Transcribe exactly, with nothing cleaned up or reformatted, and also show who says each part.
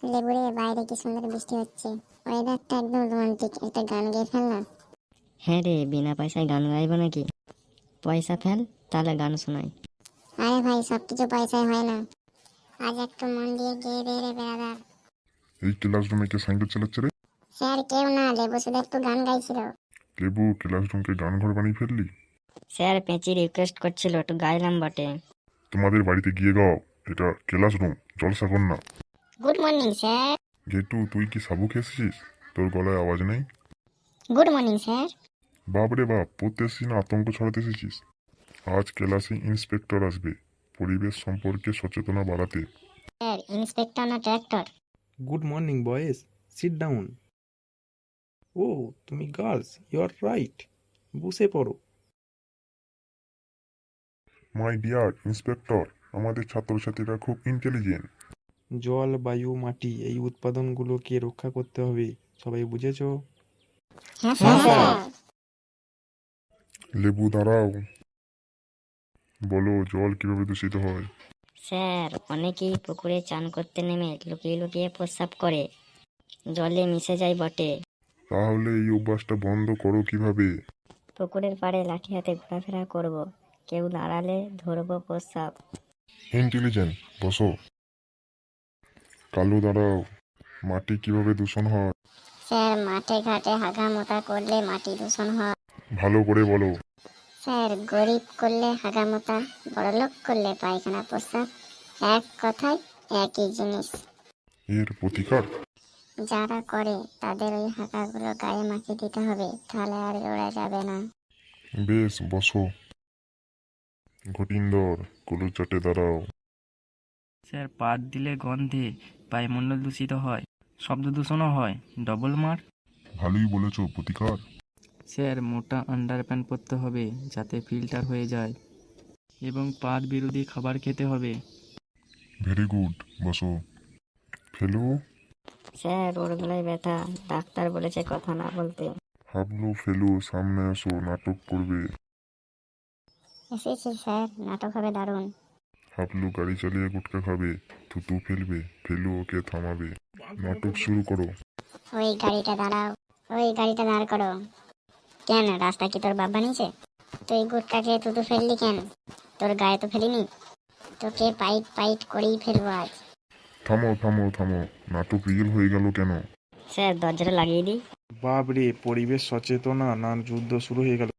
Speaker 1: লেবুরে বাইরে কি সুন্দর বৃষ্টি হচ্ছে, ওয়েদারটা একদম রোমান্টিক। একটা গান গেয়ে ফেল না।
Speaker 2: হ্যাঁ রে, বিনা পয়সায় গান গাইবো নাকি? পয়সা ফেল, তাহলে গান শোনাই।
Speaker 1: আরে ভাই, সবকিছু পয়সায় হয় না। আজ একটু মন দিয়ে গেয়ে দে রে বেড়াদার।
Speaker 3: এই ক্লাসরুমে কে সাইকেল চালাচ্ছে রে?
Speaker 1: স্যার কেউ না, লেবু শুধু একটু গান গাইছিল।
Speaker 3: লেবু, ক্লাসরুমকে গান ঘর বানিয়ে ফেললি?
Speaker 2: স্যার পেঁচি রিকোয়েস্ট করছিল, একটু গাইলাম বটে।
Speaker 3: তোমাদের বাড়িতে গিয়ে গাও, এটা ক্লাসরুম, জলসা কর না।
Speaker 1: Good morning sir.
Speaker 3: গেটু, তুই কি সাবু খেয়েছিস? তোর গলায় আওয়াজ নেই।
Speaker 1: Good morning sir.
Speaker 3: বাপরে বাপ, পড়তে এসেছিস না আতঙ্ক ছড়াতে এসেছিস? আজ ক্লাসে ইন্সপেক্টর আসবে, পরিবেশ সম্পর্কে সচেতনা বাড়াতে।
Speaker 1: স্যার, ইন্সপেক্টর না tractor?
Speaker 4: Good morning, boys. Sit down. Oh, তুমি গার্লস, ইউ আর রাইট। বসে পড়ো।
Speaker 3: মাই ডিয়ার ইন্সপেক্টর, আমাদের ছাত্রছাত্রীরা খুব ইন্টেলিজেন্ট।
Speaker 4: জল, বায়ু, মাটি এই উৎপাদনগুলোকে রক্ষা করতে হবে। সবাই বুঝেছো?
Speaker 1: হ্যাঁ স্যার।
Speaker 3: লেবু দাঁড়াও, বলো জল কিভাবে দূষিত হয়?
Speaker 2: স্যার, অনেকেই পুকুরে চান করতে নেমে লুকিয়ে লুকিয়ে প্রস্রাব করে, জলে মিশে যায় বটে।
Speaker 3: তাহলে এই অভ্যাসটা বন্ধ করো কিভাবে?
Speaker 2: পুকুরের পাড়ে লাঠি হাতে ঘোরাফেরা করব, কেউ দাঁড়ালে ধরবো প্রস্রাব।
Speaker 3: ইন্টেলিজেন্ট, বসো। কালু দাঁড়াও, মাটি কিভাবে দূষণ হয়?
Speaker 1: স্যার, মাঠে ঘাটে হাগা মোতা করলে মাটি দূষণ হয়।
Speaker 3: ভালো করে বলো।
Speaker 1: স্যার, গরিব করলে হাগামোতা, বড়লোক করলে পায়খানা প্রস্রাব, এক কথায় একই জিনিস।
Speaker 3: এর প্রতিকার?
Speaker 1: যারা করে তাদের ওই হাগাগুলো গায়ে মাখিয়ে দিতে হবে, তাহলে আর ওরা যাবে না।
Speaker 3: বেশ, বসো। ঘটিন্দর, কুলু চাটে দাঁড়াও।
Speaker 5: স্যার, পাত দিলে গন্ধে বায়ুমণ্ডল দূষিত হয়, শব্দ দূষণও হয়, ডবল মার।
Speaker 3: ভালোই বলেছো, প্রতিকার?
Speaker 5: স্যার, মোটা আন্ডারপ্যান্ট পরতে হবে যাতে ফিল্টার হয়ে যায়, এবং পাত বিরোধী খাবার খেতে হবে।
Speaker 3: ভেরি গুড, বসো। ফেলু,
Speaker 2: স্যার, ওর গলায় ব্যথা, ডাক্তার বলেছে কথা না বলতে।
Speaker 3: হাবলু, ফেলু সামনে এসো, নাটক করবে।
Speaker 1: এসেছি স্যার, নাটক হবে দারুণ।
Speaker 3: হাবলু গাড়ি চালিয়ে গুটকা খাবে, থুতু ফেলবে, ফেলু ওকে থামাবে। নাটক শুরু করো।
Speaker 1: ওই গাড়িটা দাঁড়াও, ওই গাড়িটা দাঁড় করো। কেন, রাস্তা কি তোর বাপ বানিয়েছে? তুই গুটকাকে তুতু ফেললি কেন? তোর গায়ে তো ফেলিনি। তোকে পাইট পাইট করেই ফেলবো আজ।
Speaker 3: থামো থামো থামো, নাটক রিয়েল হয়ে গেল কেন?
Speaker 2: স্যার, দরজাটা লাগিয়ে দিই।
Speaker 4: বাপরে, পরিবেশ সচেতনা না যুদ্ধ শুরু হয়ে গেল।